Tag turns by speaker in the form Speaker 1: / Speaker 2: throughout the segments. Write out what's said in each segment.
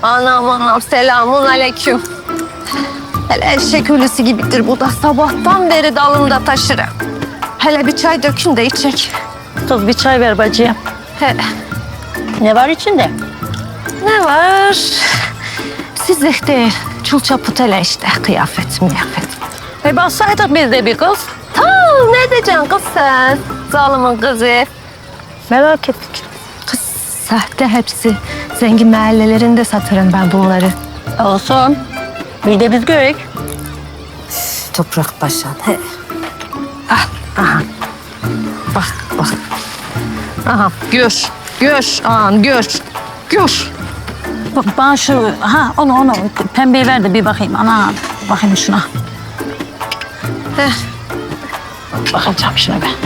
Speaker 1: Anam anam selamun aleyküm. Hele eşek ölüsü gibidir bu da. Sabahtan beri dalımda taşırım. Hele bir çay dökün de içecek.
Speaker 2: Kız bir çay ver bacıya.
Speaker 1: He,
Speaker 2: Ne var içinde?
Speaker 1: ne var? Sizlik değil. Çul çaput hele işte. Kıyafet miyafet.
Speaker 2: Bassaydık biz de bir kız.
Speaker 1: Tamam ne diyeceksin kız sen? Zalimin kızı.
Speaker 2: Merak ettik.
Speaker 1: Kız sahte hepsi. Zengin mahallelerinde satarım ben bunları.
Speaker 2: Olsun. Bir de biz görek.
Speaker 1: Toprak başan. He. Ah, aha. Bak, bak. Aha, gör. Gör, ağam, gör. Gör.
Speaker 2: Bana şu, onu pembeyi ver de bir bakayım. Ana, bakayım şuna.
Speaker 1: Heh.
Speaker 2: Bakacağım şuna ben.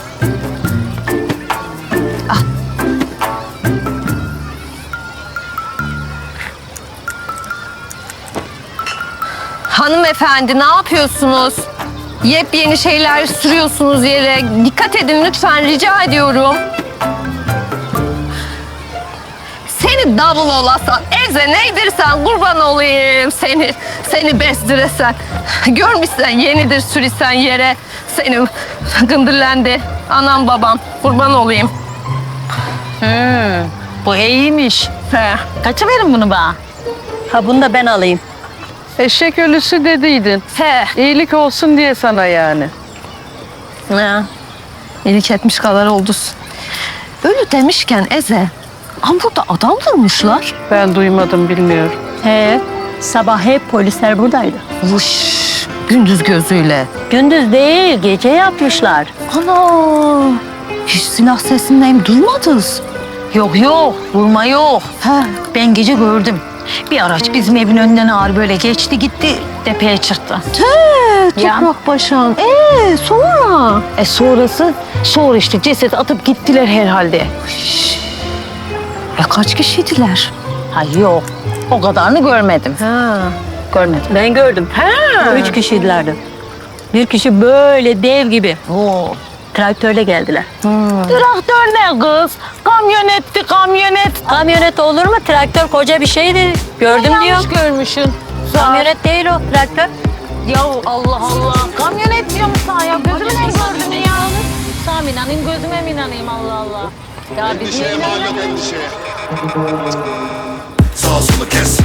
Speaker 1: Hanımefendi ne yapıyorsunuz? Yepyeni şeyler sürüyorsunuz yere. Dikkat edin lütfen rica ediyorum. Seni davul olasan, eze neydirsen kurban olayım seni. Seni bezdiresen. Görmüşsen yenidir sürisen yere. Seni gındırlandı. Anam babam kurban olayım.
Speaker 2: Bu iyiymiş.
Speaker 1: He.
Speaker 2: Kaça verin bunu bana? Ha bunu da ben alayım.
Speaker 3: Eşek ölüsü dediydin.
Speaker 1: He.
Speaker 3: İyilik olsun diye sana yani.
Speaker 1: Ha. İyilik etmiş kadar oldun. Ölü demişken Eze, ama burada adam vurmuşlar.
Speaker 3: Ben duymadım, bilmiyorum.
Speaker 2: He, sabah hep polisler buradaydı.
Speaker 1: Vuş, gündüz gözüyle.
Speaker 2: Gündüz değil, gece yapmışlar.
Speaker 1: Ana, hiç silah sesinden duymadınız.
Speaker 2: Yok, vurma yok.
Speaker 1: He.
Speaker 2: Ben gece gördüm. Bir araç bizim evin önünden ağır böyle geçti gitti, tepeye çıktı. Ya.
Speaker 1: Toprak başan. Sonra?
Speaker 2: Sonra işte ceset atıp gittiler herhalde.
Speaker 1: Kaç kişiydiler?
Speaker 2: Ha yok, o kadarını görmedim.
Speaker 1: Ha.
Speaker 2: Görmedim. Ben gördüm.
Speaker 1: Ha.
Speaker 2: 3 kişiydilerdi. Bir kişi böyle dev gibi. Oo. Traktörle geldiler. Traktör ne kız? Kamyonetti, kamyonet. Kamyonet olur mu? Traktör koca bir şeydi. Gördüm diyor.
Speaker 1: Yanlış görmüşsün.
Speaker 2: Kamyonet değil o, traktör.
Speaker 1: Ya Allah Allah.
Speaker 2: Kamyonet diyorum sana ya. Gözüme ne gördün ya? Sana mı inanayım, gözüme mi inanayım Allah Allah. Ya biz niye inanamıyoruz?
Speaker 4: Sağ solu kes.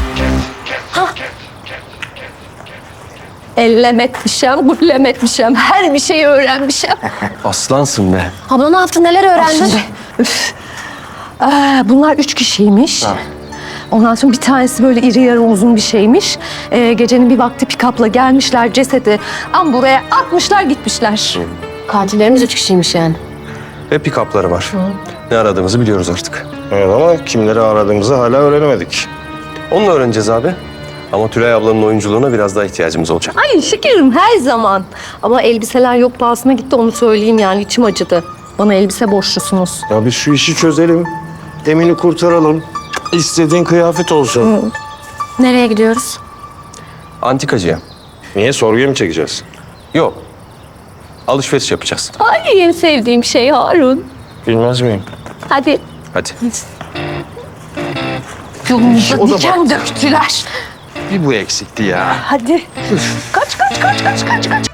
Speaker 1: Ellem etmişim, gullem etmişim. Her bir şeyi öğrenmişim.
Speaker 5: Aslansın be.
Speaker 1: Abla ne yaptın, neler öğrendin? Üf. Bunlar 3 kişiymiş. Ondan sonra bir tanesi böyle iri yarı uzun bir şeymiş. Gecenin bir vakti pick-up'la gelmişler cesedi. Buraya atmışlar gitmişler.
Speaker 6: Katillerimiz 3 kişiymiş yani.
Speaker 5: Ve pick-up'ları var. Ne aradığımızı biliyoruz artık.
Speaker 7: Evet ama kimleri aradığımızı hala öğrenemedik.
Speaker 5: Onu da öğreneceğiz abi. Ama Tülay ablanın oyunculuğuna biraz daha ihtiyacımız olacak.
Speaker 1: Ay şekerim her zaman. Ama elbiseler yok pahasına gitti onu söyleyeyim yani içim acıdı. Bana elbise borçlusunuz.
Speaker 7: Ya biz şu işi çözelim. Emin'i kurtaralım. İstediğin kıyafet olsun.
Speaker 6: Nereye gidiyoruz?
Speaker 5: Antikacıya.
Speaker 7: Niye? Sorguya mı çekeceğiz?
Speaker 5: Yok. Alışveriş yapacağız.
Speaker 1: Ay en sevdiğim şey Harun.
Speaker 7: Bilmez miyim?
Speaker 1: Hadi.
Speaker 5: Hadi.
Speaker 1: Yolumuza
Speaker 7: O da
Speaker 1: diken döktüler.
Speaker 5: Bir bu eksikti ya.
Speaker 1: Hadi. Kaç.